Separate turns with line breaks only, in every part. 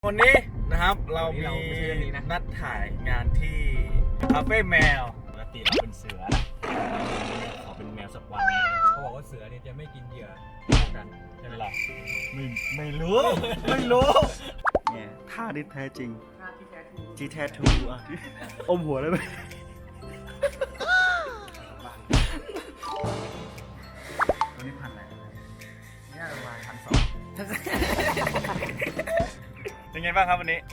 วันนี้นะครับเรามี
นะ
นัดถ่ายงานที่คาเฟ่แมวปกติเราเป็นเสือนะขอเป็นแมวสักวันหนึ่ง
เขาบอกว่าเสือเนี่ยจะไม่กินเหยื่อกันใช่ไหมล่ะ
ไม่รู้ ไม่รู้เนี่ยท่าที่แท้จริง
ท่าที่แท้ทู
ที่แท้ทูอ่ะอมหัวเลยไหมตัวนี้พันอะไร
เนี่ยประมาณ1,200
เป็นไงบ้างครับวันนี้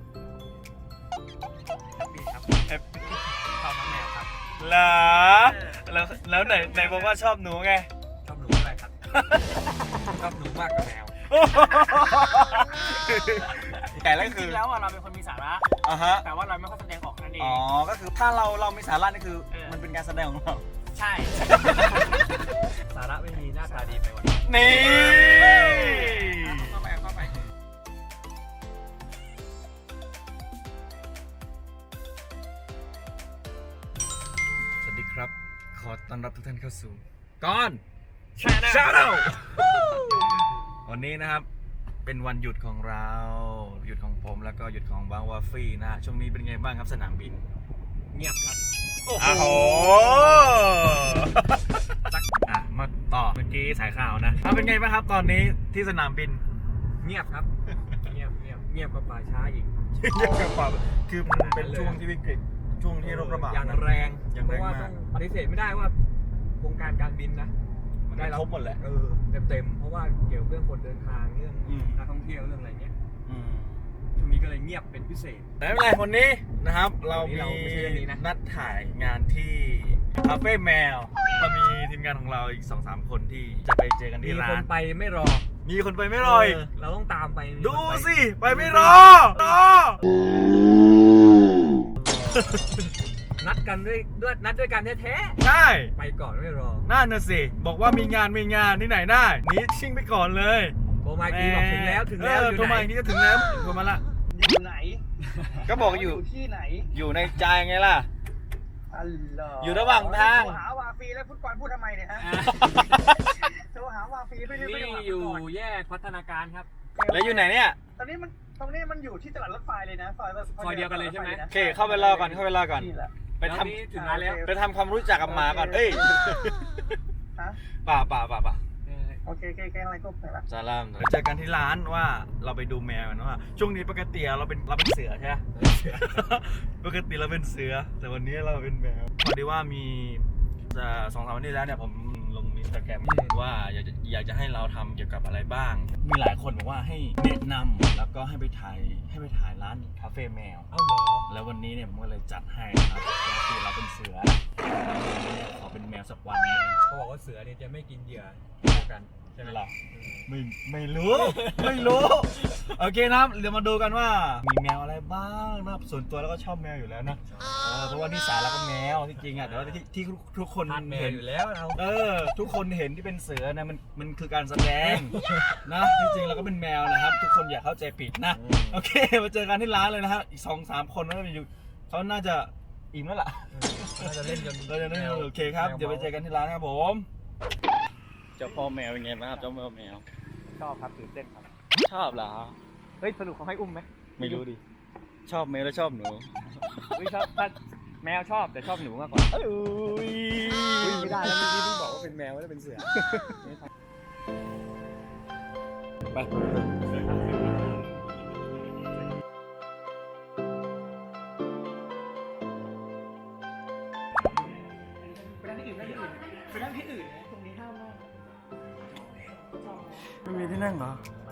ปีครับชอบน้องแมวครับ
เหรอแล้วไหนบอกว่าชอบหนูไง
ชอบหนูอะไรครับ ชอบหนูมากกว่าแมว
แต่แล้ว
จ
คื
ริ
อง
ๆแล้วเราเป็นคนมีสาระ
อ่ะฮะ
แต่ว่าเราไม่ค่อยแสดงออกนั่นเอง
อ๋อ ก็คือถ้าเรามีสาระนี่คือมันเป็นการแสดงของเรา
ใช่
สาระไม่มีหน้าตาดีไปวัน
นี่
เข้าไป
สวัสดีครับ ขอต้อนรับทุกท่านเข้าสู่ก้อน
ใช่นะ
ชาแนลวันนี้นะครับเป็นวันหยุดของเราหยุดของผมแล้วก็หยุดของบางวาฟี่นะช่วงนี้เป็นไงบ้างครับสนามบิน
เงียบครับ
โอ้โหอ่ะมาต่อเมื่อกี้สายข่าวนะเป็นไงบ้างครับตอนนี้ที่สนามบิน
เงียบครับ เงียบกว่าป่าช้าอีก
เยี่ยมกับความคือมันเป็นช่วงที่วิกฤตช่วงที่โรคระบาด
อย่าง
นะ
แรง
อย่าง
เพ
แรง
ราะว่า
มา
ต้อก งปฏิเสธไม่ได้ว่าวงการการบินนะ
มันได้รับหมดแหละ
เต็มเพราะว่าเกี่ยวกับเรื่องคนเดินทางเรื่อง
อืม
นักท่องเที่ยวเรื่องอะไรเงี้ย
อืม
ช่วงนี้ก็เลยเงียบเป็นพิเศษ
แต่ไม่เป็นไรวันนี้นะครับ เรา
วันนี้เราไม่ใช่เรื่องนี้นะ
นัดถ่ายงานที่คาเฟ่แมวเรามีทีมงานของเราอีก 2-3 คนที่จะไปเจอกัน
มี
ที่ร้า
คน
น
ไปไม่รอ
มีคนไปไม่รอย
เราต้องตามไปมี
ดู
คนไป
สิไปไม่รอรอ
นัดกันนัดด้วยกันแท้
ใช่
ๆไปก่อนไม่รอ
นั่นน่ะสิบอกว่ามีงานที่ไหนได้หนีชิ่งไปก่อนเลย
โทรมาอีกทีบอกถึงแล้วอยู่
โทร
ไหน
มาอีกทีก็ถึงแล้วโทรมาละ
อยู่ไหน
ก็บอกอยู่
ที่ไหน
อยู่ในใจไงล่ะ
อัลลอฮ์
อยู่ระหว่างทาง
โทรหาวาฟีแล้วฟุตบอลพูดทำไมเนี่ยฮะโทรหาวาฟีไม่ได้
นี่
ไม่ได้หา
อยู่
ฟุตบล
แยกพัฒนาการครับ
แล้วอยู่ไหนเนี่ย
ตรงนี้มันอยู่ที่ตลาดรถไฟเลยนะซอย
เดียวกันเลยใช่ไหม
โอเคเข้าไปรอก่อน
นี่แหละ
ไปท
แล้วนี่ถึงร้านแล้ว
ำไปทำความรู้จักกับหมาก่อนเอ้ย
ฮะ
ป่า
โอเคอะไรก็ไปละ
ซาลามไปเจอกันที่ร้านว่าเราไปดูแมวกันว่าช่วงนี้ปกติเราเป็นเสือใช่ไหม ปกติเราเป็นเสือ แต่วันนี้เราเป็นแมวพอดีว่ามี2-3 วันที่แล้วเนี่ยผมลงอินสตาแกรมว่าอยากจะให้เราทำเกี่ยวกับอะไรบ้าง มีหลายคนบอกว่าให้แนะนำแล้วก็ให้ไปถ่ายร้านคาเฟ่แมว
เอ้าเหรอ
แล้ววันนี้เนี่ยผมก็เลยจัดให้นะครับปกติเราเป็นเสือขอเป็นแมวสักวันหนึง
เขาบอกว่าเสือเนี่ยจะไม่กินเหยื่อกันใช่ไหม
หรอ ไม่รู้ โอเคนะครับเดี๋ยวมาดูกันว่ามีแมวอะไรบ้างนะครับส่วนตัวแล้วก็ชอบแมวอยู่แล้วนะเพราะว่านิสัยเราก็แมวที่จริงอ่ะแต่ว่าที่ทุกคน
ทานแมว
เห็น
อยู่แล้วเรา
ทุกคนเห็นที่เป็นเสือนะมันคือการแสดงนะที่จริงเราก็เป็นแมวนะครับ ทุกคนอย่าเข้าใจผิดนะโอเคมาเจอกันที่ร้านเลยนะครับอีก 2-3 คนน่าจะอยู่เขาน่าจะอิ่มแล้วล่ะ
น่าจะเล่นจน
เราจะได้โอเคครับเดี๋ยวไปเจอกันที่ร้านครับผมเจ้าพ่อแมวเป็นไงบ้างครับเจ้าพ่อแมว
ชอบครับตื่นเต้นครับ
ชอบเหรอ
เฮ้ยสรุปเขาให้อุ้มไหม
ไม่รู้ดิ ชอบแมวแล้วชอบหนู
ชอบแมวชอบแต่ชอบหนูมากกว่า
อุ้ย
ไม่ได้แล้วเมื่อกี้เพิ่งบอกว่าเป็นแมวไม่ได้เป็นเสือ
ไปไม่มีที่นั่งเหรอ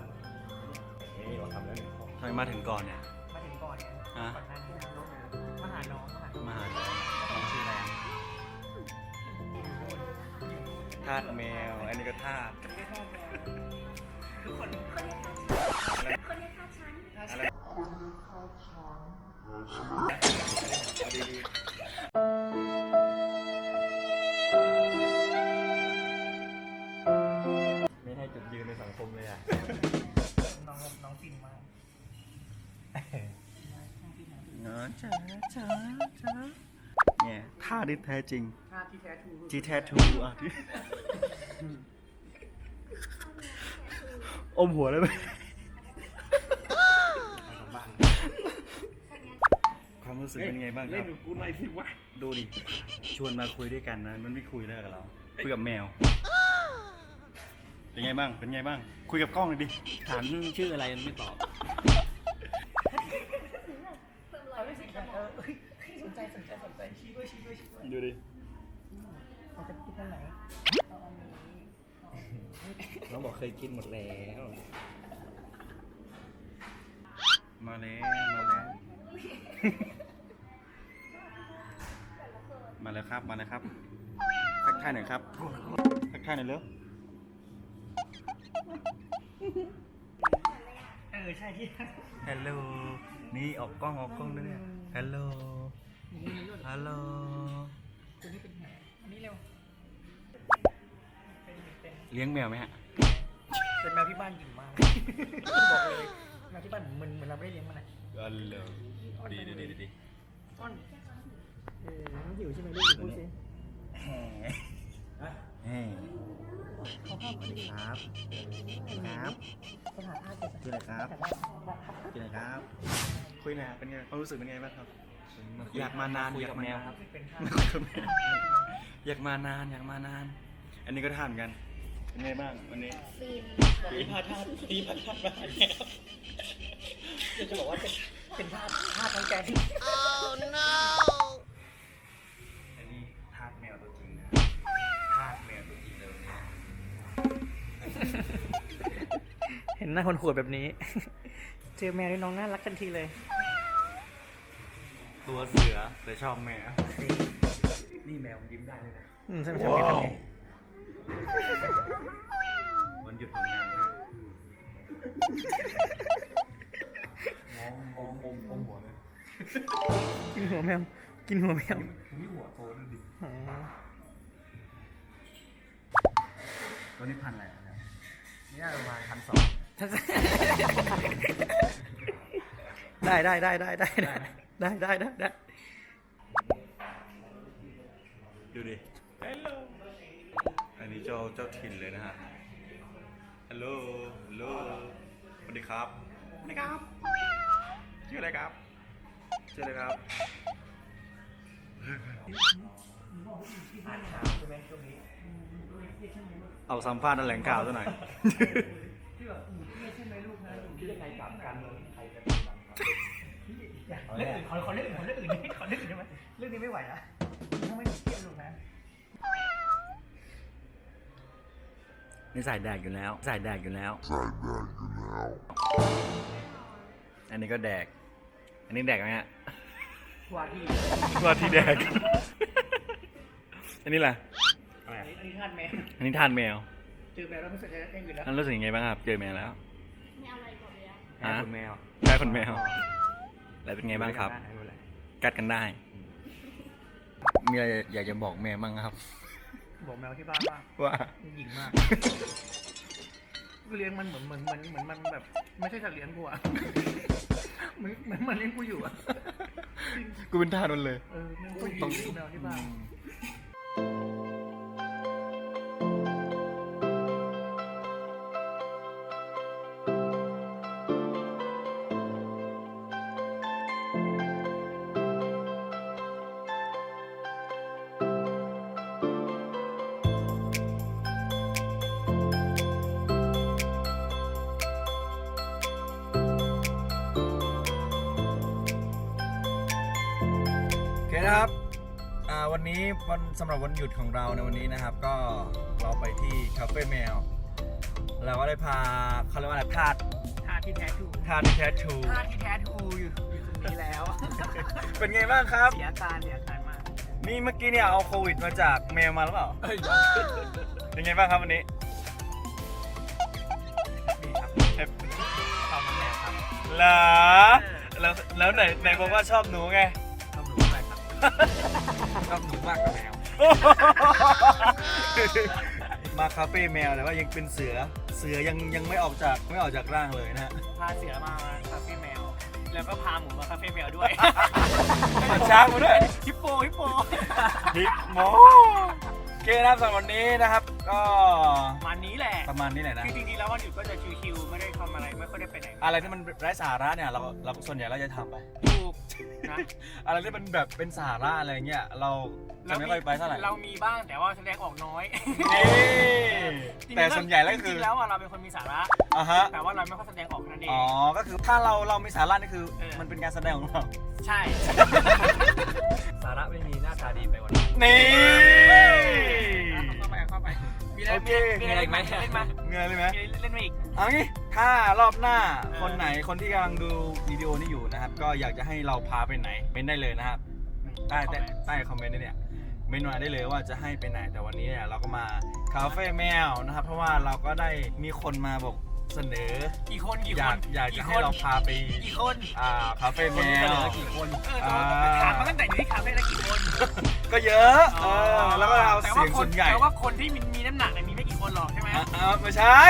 ทำไมมาถึงก่อนเนี่ย
มาถึงก่อนเนี่ย
ฮะ
ก่อนหน้านี้นั่งรถมาหาน้อง
มาหาน้องชื่ออะไรทาสแมว อันนี้ก็ทาส
ไม่ให้จุดยืนในสังคมเลยอ่ะ
น้องฟินมาก
เนี่ยท่าที่แท้จริง
ท่าที่แท้ทู
ที่แท้ทูอ่ะที่อมหัวเลยไหมรู้สึกเป็นไงบ้างค
เล่
รั
น
บ
กับกูหน่อยสิวะ
ดูดิชวนมาคุยด้วยกันนะมันไม่คุยแล้วกับเราคุยกับแมวเป็นไงบ้างเป็นไงบ้างคุยกับกล้องหน่อยดิ
ถามชื่ออะไรมันไม่ตอบ
สนใจชี้ด้วยชี้ด้วย
ดูดิ
เราจะกินอันไหนเอาอันนี้
น้องบอกเคยกินหมดแล้ว
มาแล้วมาแล้วมาแล้วครับมาแล้วครับทักทายหน่อยครับทักทายหน่อยเร็ว
ใช่ที่
ฮัลโหลนี่ออกกล้องด้วยเนี่ยฮัลโหลฮัลโหล
ตัวนี้เป็นแผลอันนี้เร็วเป็น
เลี้ยงแมวไหมฮะ
เป็นแมวที่บ้านหยิ่งมากบอกเลยแมวที่บ้านเหมือนเราไม่ได้เลี้ยงมันนะ
ฮัลโหลดีดี
อ้อนมันหิวใช่ไหมลูกพูดสิ
เฮ้
เขาเข้ามาดิ
ครับครับ
สถานอาเกิด
ชื่ออะไรครับชื่ออะไรครับคุยหน่อยเป็นไงความรู้สึกเป็นไงบ้างครับ อยากมานาน
คุย
อยา
กับ
กมา
แมว
นาน
ครับ
เป็นท่า
อยากมานานอยากมานาน อันนี้ก็ทานกันเป็นไงบ้างวันนี้
ตีพาท่าตีพาท่ามาแล้วจะบอกว่าเป็นท่าทางแกที่
อันนี้ทาสแมวตัวจริงนะทาสแมวตัวจริงเลยเนี่ย
เห็นหน้าคนขวดแบบนี้ เจอแมวด้วยน้องน่ารักทันทีเลย
ตัวเสือแต่ชอบแมวนี่แมวยิ้มได้เลยนะ
ใช่ไหมทำไง
วันหยุดของงานนะมองหัวเลย
กินหัวแมวกินหัวแมว
นี่หัวโตดูดิ
อ๋อ
ตัวนี้พันอะไรอ่ะเนี่ยนี่น่าประมาณ1,200
ได้
ดูดิ อันนี้เจ้าถิ่นเลยนะฮะ ฮัลโหล ฮัลโหล สวัสดีครับ สวัสดีครับ ชื่ออะไรครับ ชื่ออะไรครับ เอาสัมภาษณ์แถลงข่าวซะหน่อย
ที่แบบไม่ใช่ไหมลูกนะ
คิดยังไงกับการเมืองที่ไทยจะ
เรื่องอื่นขอเรื่องอื่นใช่ไหมเรื่องนี้ไม่ไหวนะถ้าไม่เครียดลูกนะ
นี่ใส่แดกอยู่แล้ว อันนี้ก็แดก อันนี้แดกไหมฮะ
ว่าที่
ว่าที่แดก อันนี้แหละ
อันนี้ทานแมว
อันนี้ทานแมว
เจอแมวแล้วไม่สนใจเองอยู่แล้ว
อันรู้สึกยังไงบ้างครับ เจอแมวแล้ว
ไม่เอาอะไรก่อนเลยอะ
แพ้คนแมว
ใช่คนแมว แล้วเป็นไงบ้างครับ
ไม่เป็นไร
กัดกันได้ มีอะไรอยากจะบอกแม่บ้างครับ
บอกแมวที่บ้านว่า
ว่า
มันหยิ่งมากกูเลี้ยงมันเหมือนมันแบบ ไม่ใช่สัตว์เลี้ยงกูอะเหมือนมันเลี้ยงกูอยู่อะ
กูเป็นทาสมันเลย
มันก็หยิ่งแมวที่บ้าน
โอเคนะครับ วันนี้สำหรับวันหยุดของเราในวันนี้นะครับ ก็เราไปที่คาเฟ่แมว เราก็ได้พาเขาเรียกว่าอะไรทาส
ท่าที่แท้ทู
ทาสที่แท้ทรู
ท่าที่แท้ทูอยู่ตรงนี้แล้ว
เป็นไงบ้างครับ
เสียการมาก
นี่เมื่อกี้เนี่ยเอาโควิดมาจากแมวมาหรือเปล่า เป็นไงบ้างครับวันนี้
ดีครับ
เฮ้ย
ความมันแมวครับ
เหรอแล้วไหนบอกว่าชอบหนูไง
ชอบหนูมากครับชอบหนูมากกว่าแมว
มาคาเฟ่แมวแต่ว่ายังเป็นเสือยังไม่ออกจากร่างเลยนะฮะ
พาเสือมาคาเฟ่แมว แล้วก็พาหมูมาคาเฟ่แมวด้วย
ช้างมาด้วย
ฮิปโป
ฮิปโมโอเคนะครับสำหรับวันนี้นะครับก็
ประมาณนี้แหละ
ประมาณนี้แหละนะ
คือจริงๆแล้ววันหยุดก็จะชิวๆไม่ได้ทำอะไรไม่ค่อยได้ไปไหน
อะไรที่มันไร้สาระเนี่ยเราส่วนใหญ่เราจะทำไป
ถูกนะ
อะไรที่มันแบบเป็นสาระอะไรเงี้ยเราจะไม่ค่อยไปเท่าไหร่
เรามีบ้างแต่ว่าแสดงออกน้อย
แต่ส่วนใหญ่แล้วก็
จ
คื
ริ
อง
ๆแล้วอะเราเป็นคนมีสาระ
อ่ะฮะ
แต่ว่าเราไม่ค่อยแสดงออกนั่นเอง
อ๋อก็คือถ้าเรามีสาระนี่คือ
เออ
มันเป็นการแสดงของเรา
ใช่
สาระไม่มีหน้าตาดีไปวัน
นี่
เข้าไปมีอะไร
โอเค
มีอะไรไหมเล่นมา
เงยเลยไหม
เล่นมาอีก
เอางี้ถ้ารอบหน้า
เออ
คนไหนคนที่กำลังดูวิดีโอนี้อยู่นะครับ ก็อยากจะให้เราพาไปไหนเม้นได้เลยนะครับใต้คอมเมนต์เนี่ยเม้นมาได้เลยว่าจะให้ไปไหนแต่วันนี้เนี่ยเราก็มาคาเฟ่แมวนะครับ เพราะว่าเราก็ได้มีคนมาบอกเสนอ
กี่คน
อยากจะให้เราพาไป
กี่คน
คาเฟ่แม
เสน
ว
อกี่คน
ถามมาตั้งแต่อยู่ที่คาเฟ่แล้วกี่คน
ก็เยอะแล้วก็เอาเสียงส่วนใหญ่
แต่ว่าคนที่มีน้ำหนักเนี่ยมีไม่กี่คนหรอกใช่ไหม
ไม่ใช่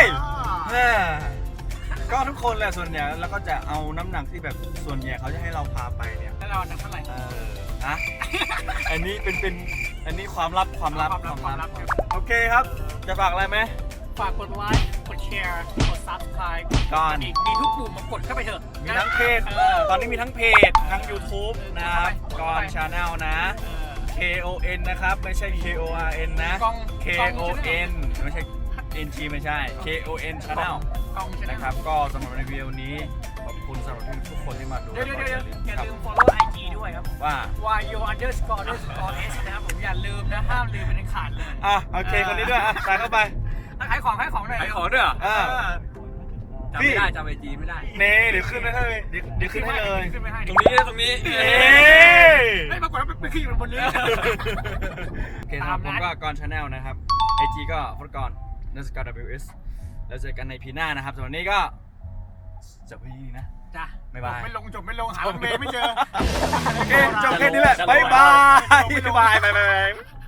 ก็ทุกคนแหละส่วนใหญ่แล้วก็จะเอาน้ำหนักที่แบบส่วนใหญ่เขาจะให้เราพาไปเนี่ย
แล้วเราหนักเท่าไหร่
อะอันนี้เป็นอันนี้ความลับ
ความลับ
โอเคครับ จะฝากอะไรไหม
ฝากกดไลค์กดแชร์กด subscribe
ก่อน
มีทุกปุ่มมากดเข้าไปเถอะ
มีทั้งเพจ ตอนนี้มีทั้งเพจ ทั้ง YouTube นะครับก่อนชาแนลนะ KON นะครับ ไม่ใช่ KORN นะ KON ไม่ใช่ NG ไม่ใช่ KON Channel
กองชนะ
นะครับ ก็สำหรับในวิดีโอนี้ ขอบคุณสำหรับทุกคนที่มาดู
เดี๋ยวอย่า
ครับ
ลืม follow IG ด้วยครับ
ว่า
yo__s นะครับผมอย่าลืมนะห้ามลืมเป็นอันขาดเลย
โอเค คนนี้ด้วยใส่เข้าไป
ขายของหน่อย
ขายของด้วยเหรอ จำ
พี่
ไม่ได้จำไอจีไม่ได้
เน่เดี๋ยวขึ้นให้เลยเดี๋ยวขึ้นให้เลย
ขึ้นไปให้
ตรงนี้ตรงนี้
ไม่ปรากฏว่าไปขึ้นอยู่บนเรือ
โอเคครับผมก็กอนชาแนลนะครับ IG ก็ฟดกอน_WS แล้วเจอกันในพีหน้านะครับสำหรับวันนี้ก็จบไปที่นี่นะ
จ้ะ
บ๊ายบาย
ไม่ลงหารถเมย์ไม่เจอ
โอเคจบแค่นี้แหละบ๊ายบายบ๊ายบาย